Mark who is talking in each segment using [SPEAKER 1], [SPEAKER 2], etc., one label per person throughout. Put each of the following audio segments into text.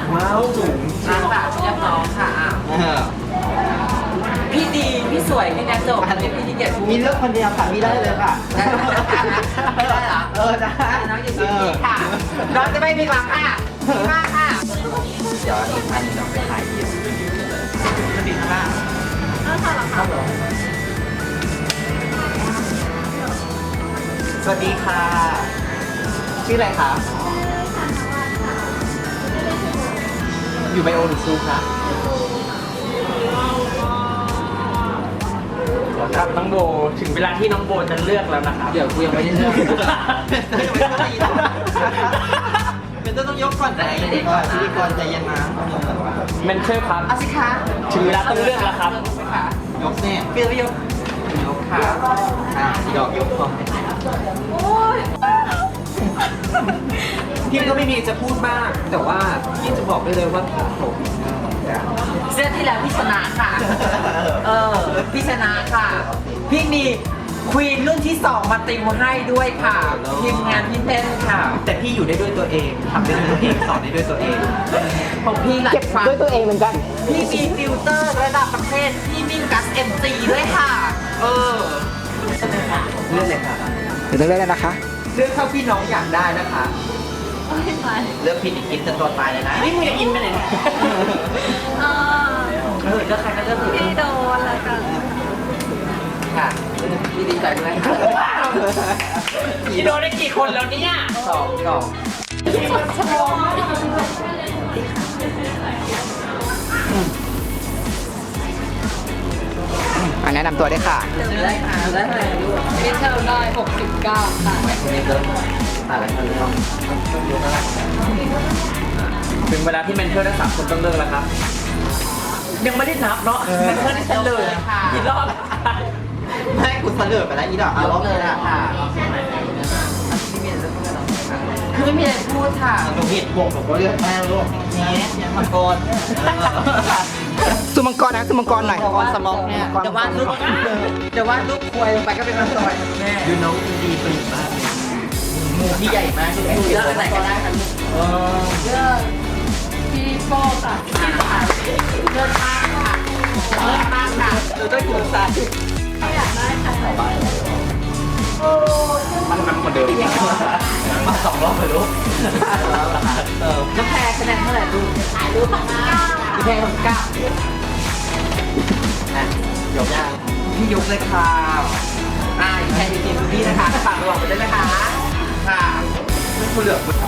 [SPEAKER 1] ว้าวสูง
[SPEAKER 2] นางแบบเรียบร้อยค่ะพี่ดีพี่สวยพี่แนทจบอันนี้พี่ที่เกียรติ
[SPEAKER 1] มีเลือกคนเดียวค่ะมีได้เลยค่ะ
[SPEAKER 2] ได้เหรอ
[SPEAKER 1] ได้
[SPEAKER 2] น้องอยู่ที่นี่ค่ะน้องจะไม่มีหวังค่ะดีมากค่ะ
[SPEAKER 1] เดี๋ยวอีกอันเราไปถ่ายเดียวจะติดข้างล่างครับผมสวัสดีค่ะ ชื่ออะไรคะอยู่ไบโอหรือซูคะ
[SPEAKER 3] ครับน้องโบถึงเวลาที่น้องโบจะเลือกแล้วนะครับ
[SPEAKER 2] เดี๋ยวกูยังไม่ได้เลือก
[SPEAKER 1] เป็นต้องยกก่อนไหนพิธีกรใจเย็นนะ
[SPEAKER 3] เมนเทอร์ครับ
[SPEAKER 2] เอาสิคะ
[SPEAKER 3] ถึงเวลาต้องเลือกแล้วครับ
[SPEAKER 1] ยกเนี่ย
[SPEAKER 2] พี่จะไปยก
[SPEAKER 1] ยกค่ะสีดอกยกพอพี่ก็ไม่มีจะพูดมาก แต่ว่าพี่จะบอกได้เลยว่าผม
[SPEAKER 2] เสื้อที่แล้วพี่ชนะค่ะ พี่ชนะค่ะ พี่มีควีนรุ่นที่ 2 มาติวให้ด้วยค่ะทีมงานพี่เต้นค่ะ
[SPEAKER 1] แต่พี่อยู่ได้ด้วยตัวเองทำได้ด้วยตัวเองสอนได้ด้วยตัวเอง
[SPEAKER 2] ของพี่หลายฟัง
[SPEAKER 3] ด้วยตัวเองเหมือนกัน
[SPEAKER 2] พี่มีฟิลเตอร์ระดับประเทศพี่มิ่งกัสเอ็มซีด้วยค่ะ
[SPEAKER 1] เลือกเลยค่ะ
[SPEAKER 3] เดี๋ยวเลือกแล้วนะคะ
[SPEAKER 1] เลือกเท่าที่น้องอยากได้นะคะเลือกผิดอีกกินจนตัวตายเลยนะนี่มึงจะอินไปไหนเนี่ย
[SPEAKER 2] เลือกใครก็เลือกถูก
[SPEAKER 4] พี่โดนอะไรกัน
[SPEAKER 2] ค่ะพี่ดีใจด้วยค่ะ
[SPEAKER 3] พี่โดนได้กี่คนแล้วเนี่ย
[SPEAKER 2] 2 กล่อง
[SPEAKER 3] แนะนำตัวได้ค่ะ
[SPEAKER 2] ได้ค่ะได้เลย
[SPEAKER 4] พี่เทลได้69ค่ะ
[SPEAKER 1] คนนี้เริ่มอะไรกันแล้ว
[SPEAKER 3] ถึงเวลาที่เมนเทอร์ทั้ง3คนต้องเลือกแล้วครับ ยังไม่ได้นับเนาะเมนเทอร์ได้เฉลยกี่รอบ
[SPEAKER 1] ไม่คุณเสลอไปแล้วอีดอกเอาล้อเลยนะ
[SPEAKER 2] ค่ะคือไม่มีอะไรพูดค่ะ
[SPEAKER 1] หนูผิดวงผมก็เลือกแม่ลูกนี่ยังมังกร
[SPEAKER 3] สุมังกรนะสุมังกรหน่อย
[SPEAKER 1] มังกรสมองเนี่ย
[SPEAKER 2] แต่ว่าลูกควยลงไปก็เป็นมังกรแม่
[SPEAKER 1] ดูน้องดีตื่นมากหมูที่ใหญ่มากที่
[SPEAKER 2] เลือกอะไรก็ได้ค่ะลูก
[SPEAKER 4] เลือกพี่โป้ค่ะ
[SPEAKER 2] เลือกมากค่ะเลือกมากค่ะ
[SPEAKER 1] ดูด้วยหัวใจ
[SPEAKER 4] อยากได้ค่ะ
[SPEAKER 3] มันนำคนเดิม
[SPEAKER 1] มา2 รอบเลยลูก
[SPEAKER 2] น้ำแพรคะแนนเท่าไหร่ลูกถ่ายรูปของน้ำแพรของก้า
[SPEAKER 1] ยกย่าง
[SPEAKER 2] พี่ยกเลยค่ะแพรอยู่ทีมพี่นะคะฝากระวังไปด้วยนะคะค่ะ
[SPEAKER 1] คุณเหลือคุณ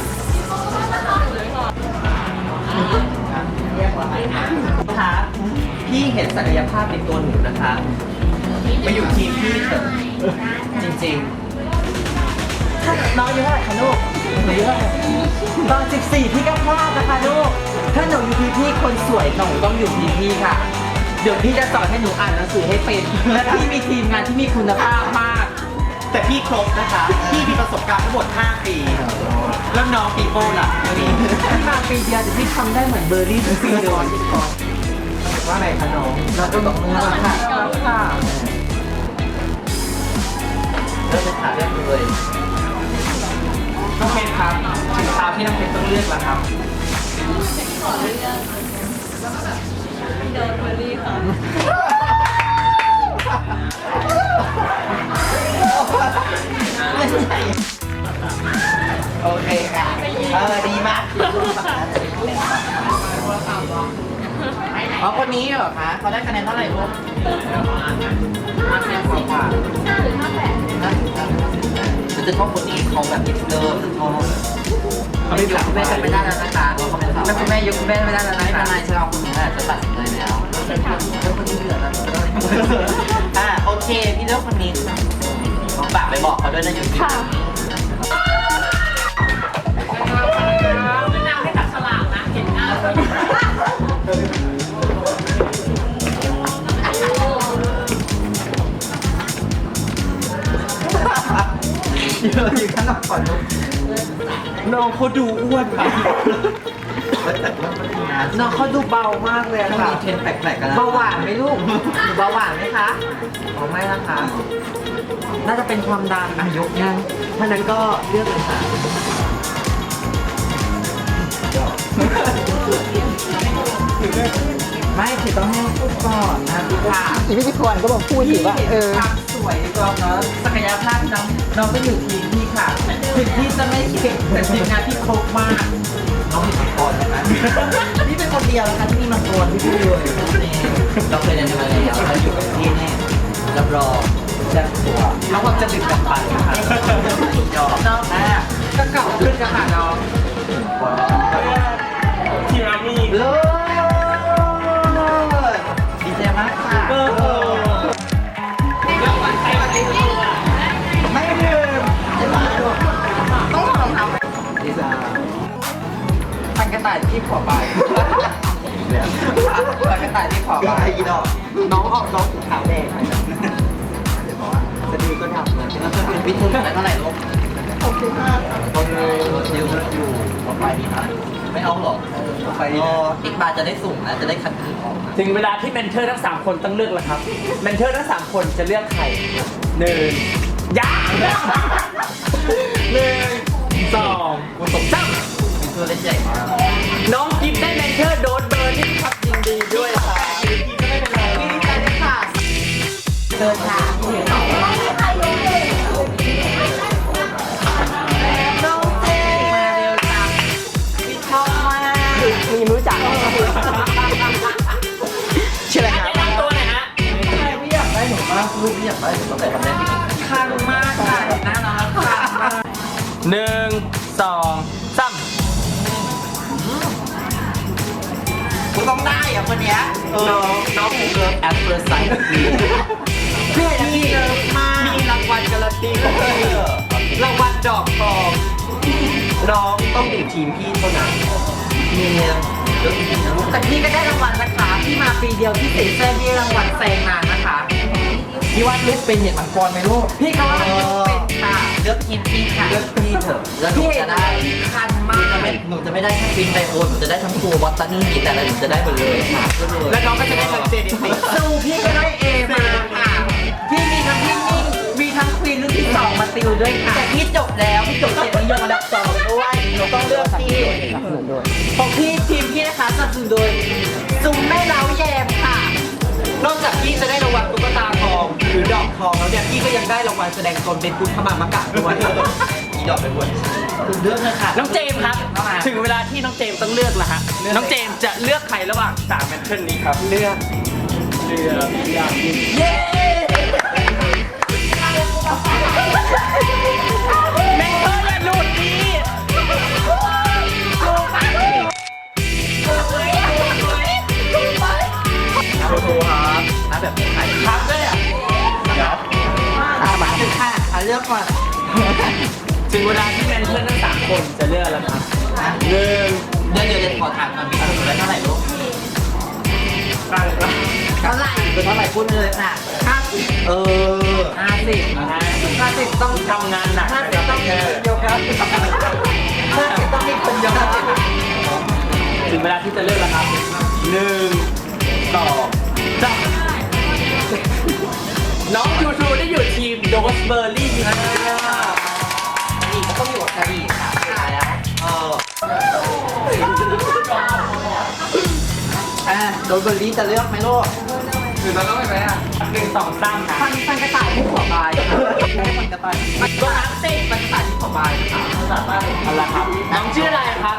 [SPEAKER 1] คะพี่เห็นศักยภาพในตัวหนูนะคะมาอยู่ทีมพี่เถอะจริงๆ
[SPEAKER 2] น้องอายุเท่าไหร่คะลูกหนูอายุเท่าไหร่ตอน14พี่ก็พลาดนะคะลูกถ้าหนูอยู่ทีมพี่คนสวยหนูต้องอยู่ทีมพี่ค่ะ เดี๋ยวพี่จะสอนให้หนูอ่านหนังสือให้เป็นและพี่มีทีมงานที่มีคุณภาพมาก
[SPEAKER 1] แต่พี่ครบนะคะ พี่มีประสบการณ์ทั้งหมด 5 ปี แล้วน้องปีโป้ล่ะปี
[SPEAKER 2] พี่มาปีเดียวแต่พี่ทำได้เหมือนเบอร์รี่ทุกปีเลย
[SPEAKER 1] ว่าไงคะน้อง
[SPEAKER 2] เราจะตกมือแล้วค่ะค่ะ
[SPEAKER 1] เริ่มเป็นขาเรียกเลย
[SPEAKER 3] น้องเพชรครับ ถึงคราวที่น้องเพชรต้องเลือกแล้วครับ
[SPEAKER 4] ขอเลือกพี่โดนเบอร์รี่ค่ะ
[SPEAKER 1] โอเคค่ะดีมากคนนี้เหรอคะเขาได้คะแนนเท่าไหร่ลูก5 คะแนนกว่าฉันจะชอบคนนี้เขาแบบอินเตอร์ฉันชอบ
[SPEAKER 2] เขาไม่ยกคุณแม่กันไม่ได้แล้วนะคะแล้วคุณแม่ยกคุณแม่ไม่ได้แล้วนะ
[SPEAKER 1] ไม่เป็นไรฉันเอาคนนี้แหละจะตัดสินใจแล้วแล้วคนนี้เหลือแล้วโอเคพี่เลือกคนนี้ฝากไปบอกเขาด้วยนะอยู่ที่
[SPEAKER 4] ไม่นำให้ตัดฉลากนะเห็นหน้าเลย
[SPEAKER 1] เยอะอยู่ข้างนอกก่อนลูกน้องเขาดูอ้วนไปแต่ว่ามันมีนะ
[SPEAKER 2] น้องเขาดูเบามากเลย
[SPEAKER 1] ต้อง
[SPEAKER 2] ค่ะ
[SPEAKER 1] มีเทรนแปลกๆกันนะ
[SPEAKER 2] เบาหวานไหมลูกหนูเบาหวานไหมคะอ๋อไม่นะคะ น่าจะเป็นความดันยกยังถ้านั้นก็เลือกเลยค่ะไม่คือต้องให้พูดก่อนนะพี่ค่ะ
[SPEAKER 5] อีพิธีกรก็บอกพูดสิว่า
[SPEAKER 2] ความสวยในตัวเนาะศักยภาพน้องก็อยู่ทีมพี่ค่ะถึงพี่จะไม่เก่งแต่ทีมงานพี่ครบมากน้องมีมังกรไหมคะนี่เป็นคนเดียวนะคะที่มีมังกรที่พูดเลยเราเคยเรียนมาแล้วเราอยู่กับพี่แน่รับรองแซ่บตัวน้องความจะดึกกับปันนะคะยอมน้องก็เก่าขึ้นกันค่ะน้อง
[SPEAKER 3] ทีมอาร์มี่
[SPEAKER 2] เลิศดีใจมากค่ะ ไม่ลืมต้องถอดรองเท้าดีจ้าพันกระต่ายที่ขอไปพันกระต่ายที่ขอไปอีดอกน้องออกน้องถุงเท้าแดงจะดีก็ทำเลยเป็นพิธีเท่าไหร่ลูก65คนเลยดิวอยู่ขอไปดีนะไม่เอาหรอกขอไปดีอีกบาทจะได้สูงนะจะได้คัดคืนออก
[SPEAKER 3] ถึงเวลาที่เมนเทอร์ทั้ง3คนต้องเลือกแล้วครับเมนเทอร์ทั้ง3คนจะเลือกใคร1ยักษ์1 2 3
[SPEAKER 2] ตัวเล็กใหญ่มาก
[SPEAKER 3] น้องกิฟได้เมนเทอร์โดนเบอร์ที่ครับยินดีด้วยครับ
[SPEAKER 2] ดีใจด้วยค่ะเดินทางน้องเจมาเร็วจังพี่ชอบมาก
[SPEAKER 5] มีรู้จักชื่ออะไรครับ
[SPEAKER 3] แนะนำตัวหน่อยฮะ
[SPEAKER 2] พี่อยากได้หนูมากลูกพี่อยากได้หนูตั้งแต่ทำได้คันมากค่ะน่ารักค่ะ
[SPEAKER 3] 1 2 3
[SPEAKER 2] กูต้องได้อ่ะคนเนี้ยน้องเกิร์ลแอปเปิลไซด์พี่เห็นพี่เกิร์ลมากมีรางวัลการันตีของพี่รางวัลดอกทองน้องต้องอยู่ทีมพี่เท่านั้นมีแต่พี่ก็ได้รางวัลนะคะพี่มาปีเดียวพี่ติดแซงพี่รางวัลแซงนานนะคะพี่ว่าลูกเป็นเห็นมังกรไหมลูกพี่เขาว่าลูกเป็นค่ะเลือกทีมพี่ค่ะเลือกพี่เถอะแล้วหนูจะได้คันมากหนูจะไม่ได้แค่ฟินไดโอนหนูจะได้ทั้งครูบอสตันนี่แต่ละหนูจะได้หมดเลยค่ะ
[SPEAKER 3] แล้วน้องก็จะได้ทั้งเจนิติ
[SPEAKER 2] สู้พี่ก็ได้เอมาค่ะพี่มีทั้งพี่นิ่งมีทั้งควีนรุ่นที่2มาติวด้วยค่ะแต่พี่จบแล้วพี่จบเกียรตินิยมอันดับ2ด้วยหนูต้องเลือกพี่ของพี่ทีมพี่นะคะสนับสนุนโดยซุ้มแม่เล้าแยมค่ะนอกจากพี่จะได้รางวัลตุ๊กตาทองหรือดอกทองแล้วเนี่ยพี่ก็ยังได้รางวัลแสดงตนเป็นคุณขมามะกะด้วยอีดอกเป็นคนเลือกเลยค่ะ
[SPEAKER 3] น้องเจมส์ครับ ถึงเวลาที่น้องเจมส์ต้องเลือกแล้วฮะ น้องเจมส์จะเลือกใครระหว่าง3เมนเทอร์นี้ครับ
[SPEAKER 2] เลือก
[SPEAKER 3] เย้ เมนเทอร์อย่าหลุดดีโอ้โหครับ
[SPEAKER 2] นะแบบนี้ใคร
[SPEAKER 3] ครับด้วยอ่ะเดี๋ยว
[SPEAKER 2] มาถึงค่ะเลือกก่อน
[SPEAKER 3] ถึงเวลาที่เมนเทอร์ทั้ง3คนจะเลือกแล้วครับ1
[SPEAKER 2] เดี๋ยวขอถามก่อนมีสนุนได้เท่าไหร่ลูกเท่าไหร่เป็นเท่าไหร่พูดเลยค่ะ5050ต้อง
[SPEAKER 3] ทำงานหนัก
[SPEAKER 2] 50ต้องมีคนเดียวครับ50ต้องมีคนเดียวครับ
[SPEAKER 3] ถึงเวลาที่จะเลือกแล้วครับ1 2 3น้องยูทูได้อยู่ทีมโดสเบอร์รี่ครับ
[SPEAKER 2] อีกก็ต้องอยู่กับกะหรี่ค่ะแล้วโดนเบอร์รี่จะเลือกไหมลูก
[SPEAKER 3] 1 2 3นะ
[SPEAKER 2] พันกระต่ายที่หัวบายพันกระต่ายมันก็นับเส้นพันกระต่ายที่หัวบายค่ะ
[SPEAKER 3] เอาละครับ น้องชื่ออะไรครับ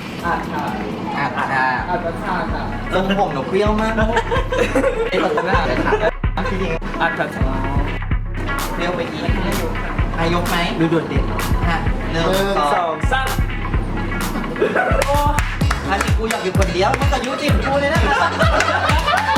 [SPEAKER 2] ลงผมหนูเปรี้ยวมากไอ้คนทำงานเลยค่ะที่จริง
[SPEAKER 3] อัดครับ
[SPEAKER 2] เปรี้ยวไปอีกอายกไหมดูโดดเด่น1 2
[SPEAKER 3] 2 3
[SPEAKER 2] อันนี้กูอยากอยู่คนเดียวมันก็ยุติกูเลยนะครับ